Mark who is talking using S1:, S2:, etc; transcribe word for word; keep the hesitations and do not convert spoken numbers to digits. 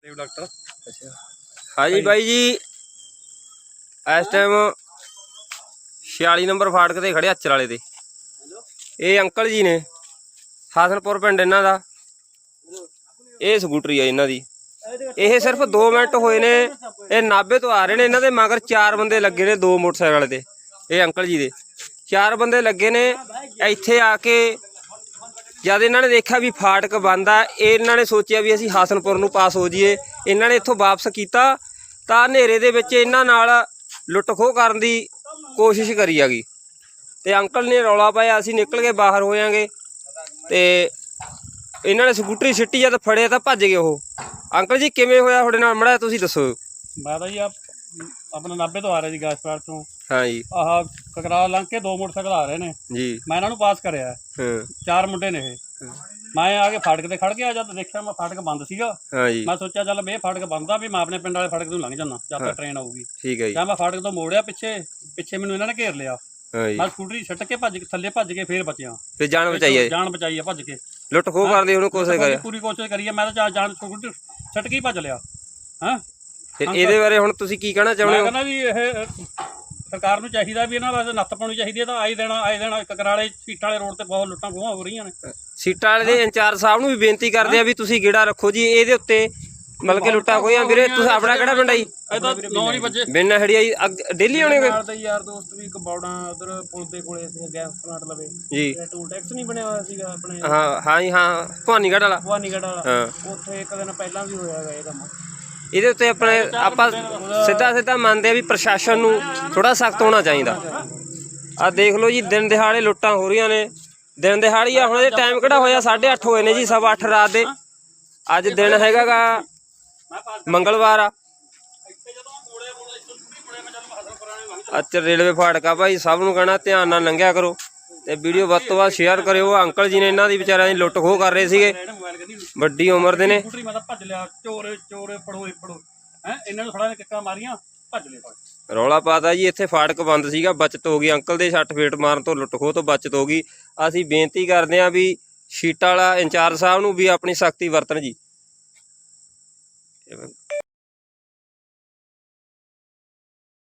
S1: Doctor
S2: अच्छा हाँ जी by जी इस टाइम छियाली नंबर फाटक ते खड़े अचर वाले ते ये अंकल जी ने हासनपुर पिंड इन्हां दा ये स्कूटरी है इन्हां दी ये सिर्फ दो मिनट होए ने ये नाभे तो आ रहे ने इन्हां दे मगर चार बंदे लगे ने दो मोटरसाइकिल वाले ते ये अंकल जी दे चार बंदे लगे ने इत्थे आके जद इन्होंने देखा भी फाटक बंद आ इन्हों ने सोचा भी असीं हासनपुर नूं पास हो जाइए इन्हों ने इत्थों वापस किया तो हनेरे दे विच इन्हां नाल लुट खोह करन दी कोशिश करी हैगी ते अंकल ने रौला पाया असीं निकल के बाहर होयांगे ते इन्हां ने स्कूटरी सिट्टी जद फड़े तो भज गए वो अंकल जी किवें होया तुहाडे नाल मड़ा तुसीं दसो।
S1: मैं तो जी आप अपने नाभे तो आ रहे जी गैसपार तो
S2: हाँ जी
S1: आह ककराल लंघ के दो मोटरसाइकिल आ रहे ने
S2: जी
S1: मैं इन्हां नूं पास करिया
S2: हाँ
S1: चार मुंडे ने ये मैं आके फाटक ते खड़ गया जब देखा मैं फाटक बंद सीगा
S2: हाँ जी
S1: मैं सोचा चल मैं फाटक बंद आ भी मैं अपने पिंड वाले फाटक तो लंघ जाना जब तक ट्रेन आऊगी
S2: ठीक है जी
S1: क्या मैं फाटक तो मोड़िया पिछे पिछे मैनूं इन्हां ने घेर लिया
S2: हाँ जी
S1: मैं स्कूटरी छट के भज थल्ले भज के फिर बचिया
S2: फिर जान बचाई है
S1: जान बचाई है भज के
S2: लुट खोह करन दी उहनूं कोशिश करी
S1: पूरी कोशिश करी है मैं तो जान स्कूटरी छट के ही भज लिया हाँ
S2: फिर ਇਹਦੇ ਬਾਰੇ ਹੁਣ ਤੁਸੀਂ ਕੀ ਕਹਿਣਾ ਚਾਹੁੰਦੇ
S1: मैं
S2: ਹੋ।
S1: कहना भी ਇਹ सरकार ਨੂੰ ਚਾਹੀਦਾ ਵੀ ਇਹਨਾਂ ਵਾਸਤੇ ਨੱਥ ਪਾਉਣੀ ਚਾਹੀਦੀ ਹੈ ਤਾਂ ਆਏ ਦੇਣਾ ਆਏ ਦੇਣਾ ਕਕਰਾਲੇ ਸੀਟਾਂ ਵਾਲੇ ਰੋਡ ਤੇ ਬਹੁਤ ਲੁੱਟਾਂ ਖੋਹਾਂ ਹੋ ਰਹੀਆਂ ਨੇ
S2: ਸੀਟਾਂ ਵਾਲੇ ਦੇ ਇੰਚਾਰਜ ਸਾਹਿਬ ਨੂੰ ਵੀ ਬੇਨਤੀ ਕਰਦੇ ਆ ਵੀ ਤੁਸੀਂ ਗੇੜਾ ਰੱਖੋ ਜੀ ਇਹਦੇ ਉੱਤੇ ਮਤਲਬ ਕਿ ਲੁੱਟਾਂ ਖੋਹਾਂ ਵੀਰੇ ਤੁਸੀਂ ਆਪਣਾ ਕਿਹੜਾ ਪਿੰਡ ਆ ਜੀ
S1: ਇਹ ਤਾਂ ਨੌ ਨਹੀਂ ਵਜੇ
S2: ਬਿੰਨ ਹੜੀਆ ਜੀ ਡੇਲੀ ਆਉਣੇ
S3: ਨਾਲ ਤਾਂ ਯਾਰ ਦੋਸਤ ਵੀ ਕਬੌੜਾਂ ਉਧਰ ਪੁਲ ਦੇ ਕੋਲੇ ਸੀ ਗੈਸ ਪਲਾਂਟ ਲਵੇ
S2: ਜੀ
S3: ਟੂਲ ਟੈਕਸ ਨਹੀਂ ਬਣਿਆ ਹੋਇਆ ਸੀਗਾ ਆਪਣੇ
S2: ਹਾਂ ਹਾਂ ਜੀ ਹਾਂ ਭਵਾਨੀਗੜ੍ਹ ਵਾਲਾ
S3: ਭਵਾਨੀਗੜ੍ਹ ਵਾਲਾ
S2: ਹਾਂ
S3: ਉੱਥੇ ਇੱਕ ਦਿਨ ਪਹਿਲਾਂ ਵੀ ਹੋਇਆ ਹੈਗਾ ਇਹ ਕੰਮ
S2: ਇਹਦੇ ਉੱਤੇ ਆਪਣੇ ਆਪਾਂ ਸਿੱਧਾ ਸਿੱਧਾ ਮੰਨਦੇ ਆ ਵੀ ਪ੍ਰਸ਼ਾਸਨ ਨੂੰ ਥੋੜਾ ਸਖਤ ਹੋਣਾ ਚਾਹੀਦਾ। ਆ ਦੇਖ ਲਓ ਜੀ ਦਿਨ ਦਿਹਾੜੇ ਲੁੱਟਾਂ ਹੋ ਰਹੀਆਂ ਨੇ ਦਿਨ ਦਿਹਾੜੀ ਆ ਹੁਣ ਇਹ ਟਾਈਮ ਕਿਹੜਾ ਹੋਇਆ ਸਾਢੇ ਅੱਠ ਹੋਏ ਨੇ ਜੀ ਸਵਾ ਅੱਠ ਰਾਤ ਦੇ ਅੱਜ ਦਿਨ ਹੈਗਾ ਗਾ ਮੰਗਲਵਾਰ ਆ ਅੱਜ ਰੇਲਵੇ ਫਾਟਕਾ ਭਾਈ ਸਭ ਨੂੰ ਕਹਿਣਾ ਧਿਆਨ ਨਾਲ ਲੰਘਿਆ ਕਰੋ ਤੇ ਵੀਡੀਓ ਵੱਧ ਤੋਂ ਵੱਧ ਸ਼ੇਅਰ ਕਰਿਓ। ਅੰਕਲ ਜੀ ਨੇ ਇਹਨਾਂ ਦੀ ਵਿਚਾਰਿਆਂ ਦੀ ਲੁੱਟ ਖੋਹ ਕਰ ਰਹੇ ਸੀਗੇ ਵੱਡੀ ਉਮਰ ਦੇ ਨੇ
S1: ਸਕੂਟਰੀ ਮੈਂ ਤਾਂ ਭੱਜ ਲਿਆ ਚੋਰ ਚੋਰ ਫੜੋ ਫੜੋ ਹੈ ਇਹਨਾਂ ਨੂੰ ਥੋੜਾ ਕਿੱਕਾਂ ਮਾਰੀਆਂ ਭੱਜ ਲਿਆ ਫੜ
S2: ਰੌਲਾ ਪਾਤਾ ਜੀ ਇੱਥੇ ਫਾਟਕ ਬੰਦ ਸੀਗਾ ਬਚਤ ਹੋ ਗਈ ਅੰਕਲ ਦੇ ਛੱਟ ਫੇਟ ਮਾਰਨ ਤੋਂ ਲੁੱਟ ਖੋਹ ਤੋਂ ਬਚਤ ਹੋ ਗਈ। ਅਸੀਂ ਬੇਨਤੀ ਕਰਦੇ ਹਾਂ ਵੀ ਸ਼ੀਟਾਂ ਵਾਲਾ ਇੰਚਾਰਜ ਸਾਹਿਬ ਨੂੰ ਵੀ ਆਪਣੀ ਸਖਤੀ ਵਰਤਣ ਜੀ।